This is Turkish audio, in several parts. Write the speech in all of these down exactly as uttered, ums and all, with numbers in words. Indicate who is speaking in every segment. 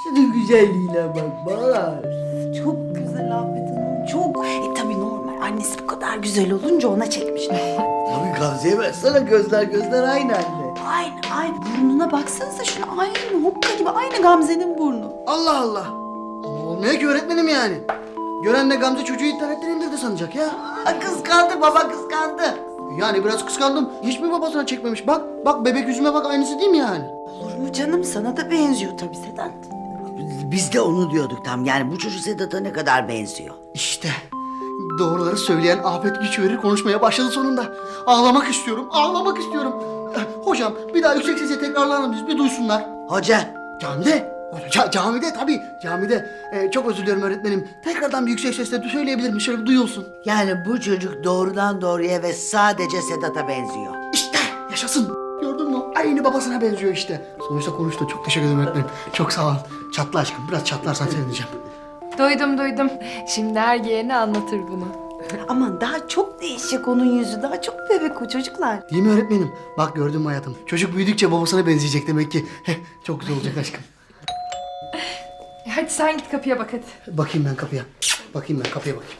Speaker 1: Şunun güzelliğine bak Bahar.
Speaker 2: Çok güzel Afet Hanım, çok. E tabii normal. Annesi bu kadar güzel olunca ona çekmiş.
Speaker 1: Tabii Gamze'ye baksana, gözler gözler aynı anne.
Speaker 2: Aynı, aynı. Burnuna baksanıza şuna, aynı. Hokka gibi, aynı Gamze'nin burnu.
Speaker 3: Allah Allah. Ama olmuyor ki öğretmenim yani. Gören de Gamze çocuğu internetten indirdi sanacak ya.
Speaker 1: Aa, kıskandı baba, kıskandı.
Speaker 3: Yani biraz kıskandım. Hiç mi babasına çekmemiş? Bak, bak bebek yüzüme bak, aynısı değil mi yani?
Speaker 2: Olur mu canım? Sana da benziyor tabii Sedat.
Speaker 1: Biz de onu diyorduk tam. Yani bu çocuk Sedat'a ne kadar benziyor.
Speaker 3: İşte doğruları söyleyen Afet güç verir konuşmaya başladı sonunda. Ağlamak istiyorum, ağlamak istiyorum. Eh, Hocam bir daha yüksek sesle tekrarlar mısınız? Bir duysunlar.
Speaker 1: Hoca.
Speaker 3: Camide. Ca camide tabii, camide. Eh, çok özür diliyorum öğretmenim. Tekrardan bir yüksek sesle söyleyebilir miyim? Şöyle bir duyulsun.
Speaker 1: Yani bu çocuk doğrudan doğruya ve sadece Sedat'a benziyor.
Speaker 3: İşte yaşasın. Gördün mü? Aynı babasına benziyor işte. Sonuçta konuştu. Çok teşekkür ederim öğretmenim. Çok sağ ol. Çatla aşkım. Biraz çatlarsan sevineceğim.
Speaker 4: Duydum duydum. Şimdi her yeğeni anlatır bunu.
Speaker 2: Aman daha çok değişecek onun yüzü. Daha çok bebek o çocuklar.
Speaker 3: Değil mi öğretmenim? Bak gördün mü hayatım? Çocuk büyüdükçe babasına benzeyecek demek ki. Heh, çok güzel olacak aşkım.
Speaker 4: E, Hadi sen git kapıya bak hadi.
Speaker 3: Bakayım ben kapıya. Bakayım ben kapıya bakayım.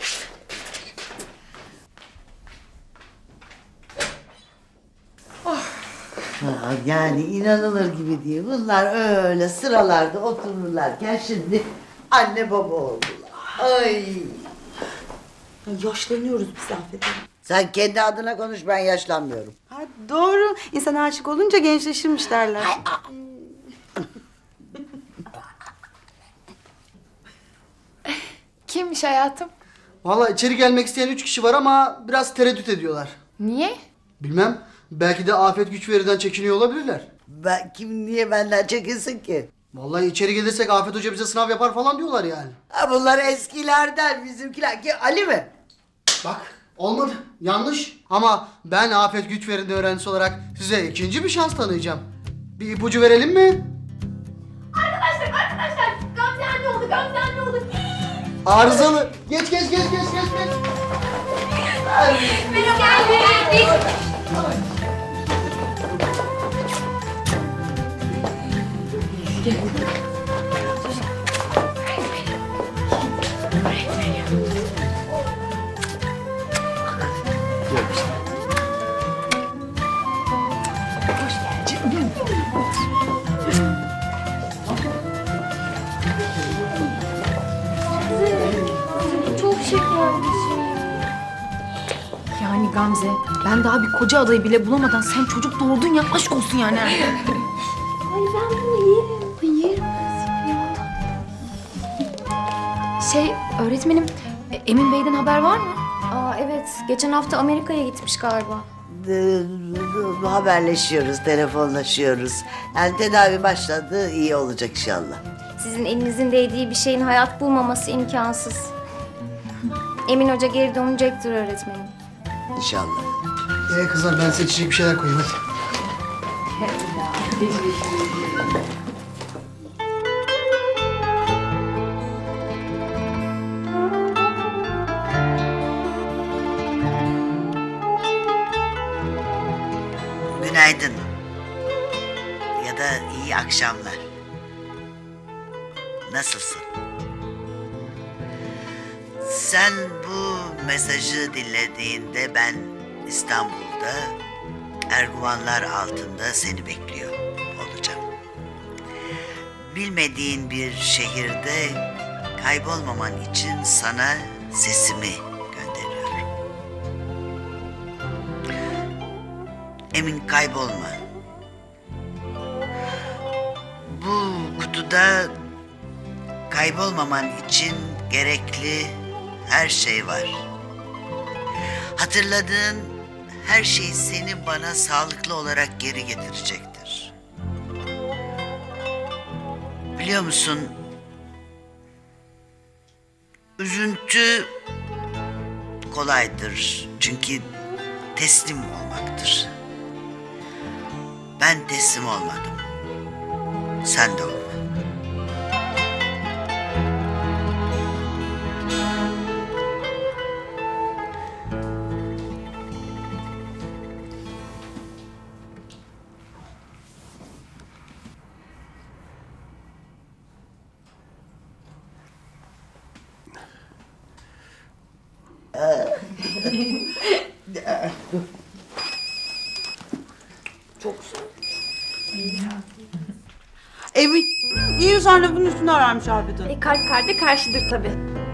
Speaker 1: Ha, yani inanılır gibi değil. Bunlar öyle sıralarda otururlarken şimdi anne baba oldular. Ay.
Speaker 2: Ya yaşlanıyoruz biz Afet Hanım.
Speaker 1: Sen kendi adına konuş, ben yaşlanmıyorum.
Speaker 2: Ha, doğru. İnsan aşık olunca gençleşirmiş derler.
Speaker 4: Kimmiş hayatım?
Speaker 3: Vallahi içeri gelmek isteyen üç kişi var ama biraz tereddüt ediyorlar.
Speaker 4: Niye?
Speaker 3: Bilmem. Belki de Afet güç veriden çekiniyor olabilirler.
Speaker 1: Ben kim niye benden çekinsin ki?
Speaker 3: Vallahi içeri gelirsek Afet Hoca bize sınav yapar falan diyorlar yani.
Speaker 1: Ha, bunlar eskilerden, bizimkiler. Ki Ali mi?
Speaker 3: Bak olmadı. Yanlış. Ama ben Afet güç verinde öğrencisi olarak size ikinci bir şans tanıyacağım. Bir ipucu verelim mi?
Speaker 5: Arkadaşlar, arkadaşlar. Gamze anne oldu, Gamze anne oldu.
Speaker 3: Arızalı. Geç geç geç geç geç geç.
Speaker 5: Biz geldik. Çok şeker bir şey.
Speaker 4: Yani Gamze, ben daha bir koca adayı bile bulamadan sen çocuk doğurdun ya, aşk olsun yani.
Speaker 5: Ay ben bunu yerim. Ay yerim kızım ya.
Speaker 4: Şey, öğretmenim, e, Emin Bey'den haber var mı?
Speaker 5: Aa evet, geçen hafta Amerika'ya gitmiş galiba.
Speaker 1: Ee, haberleşiyoruz, telefonlaşıyoruz. Yani tedavi başladı, iyi olacak inşallah.
Speaker 5: Sizin elinizin değdiği bir şeyin hayat bulmaması imkansız. Emin Hoca geri dönecektir öğretmenim.
Speaker 1: İnşallah.
Speaker 3: Ee kızlar ben size içecek bir şeyler koyayım hadi.
Speaker 1: Günaydın. Ya da iyi akşamlar. Nasılsın? Sen bu mesajı dinlediğinde ben İstanbul'da Erguvanlar altında seni bekliyor olacağım. Bilmediğin bir şehirde kaybolmaman için sana sesimi gönderiyorum. Emin kaybolma. Bu kutuda kaybolmaman için gerekli her şey var. Hatırladığın her şey seni bana sağlıklı olarak geri getirecektir. Biliyor musun? Üzüntü kolaydır çünkü teslim olmaktır. Ben teslim olmadım. Sen de olma.
Speaker 2: Emin, iyi sen lafın üstüne ararmış Afet Hanım.
Speaker 4: E, kalp kalbe karşıdır tabii.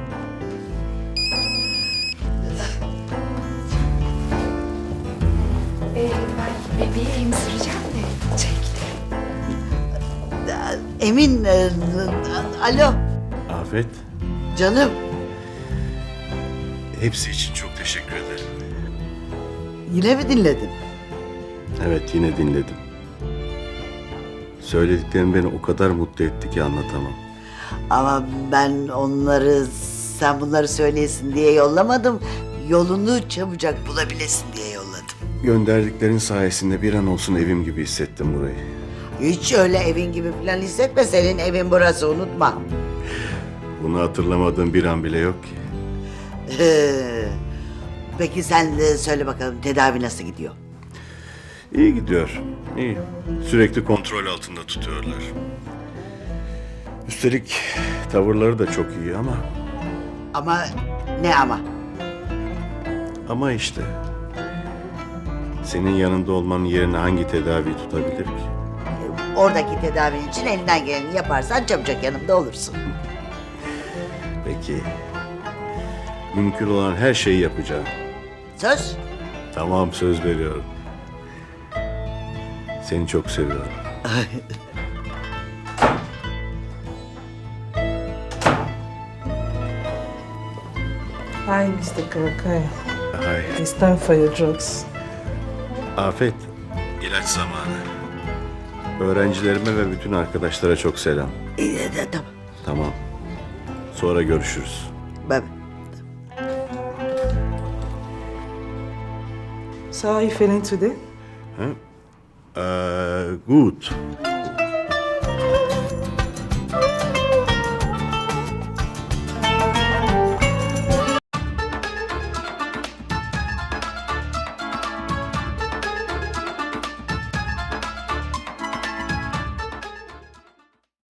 Speaker 4: Ee, ben bebeği emzireceğim de çekti.
Speaker 1: Emin, e, alo
Speaker 6: Afet,
Speaker 1: canım.
Speaker 6: hepsi için çok teşekkür ederim.
Speaker 1: Yine mi dinledin?
Speaker 6: Evet, yine dinledim. Söylediklerin beni o kadar mutlu etti ki anlatamam.
Speaker 1: Ama ben onları sen bunları söyleyesin diye yollamadım. Yolunu çabucak bulabilesin diye yolladım.
Speaker 6: Gönderdiklerin sayesinde bir an olsun evim gibi hissettim burayı.
Speaker 1: Hiç öyle evin gibi falan hissetme. Senin evin burası, unutma.
Speaker 6: Bunu hatırlamadığım bir an bile yok ki.
Speaker 1: Ee, Peki sen de söyle bakalım, tedavi nasıl gidiyor?
Speaker 6: İyi gidiyor, iyi. Sürekli kontrol altında tutuyorlar. Üstelik tavırları da çok iyi ama...
Speaker 1: Ama ne ama?
Speaker 6: Ama işte... Senin yanında olmanın yerine hangi tedavi tutabilir ki?
Speaker 1: Oradaki tedavin için elinden geleni yaparsan çabucak yanımda olursun.
Speaker 6: Peki... Mümkün olan her şeyi yapacağım.
Speaker 1: Söz?
Speaker 6: Tamam, söz veriyorum. Seni çok seviyorum.
Speaker 7: Hi, mister Kawakaya.
Speaker 6: Hay.
Speaker 7: It's time for your drugs.
Speaker 6: Afet, ilaç zamanı. Öğrencilerime ve bütün arkadaşlara çok selam.
Speaker 1: İyi, de, tamam.
Speaker 6: Tamam. Sonra görüşürüz.
Speaker 1: Ben,
Speaker 7: So how are you feeling today?
Speaker 6: Ee, good.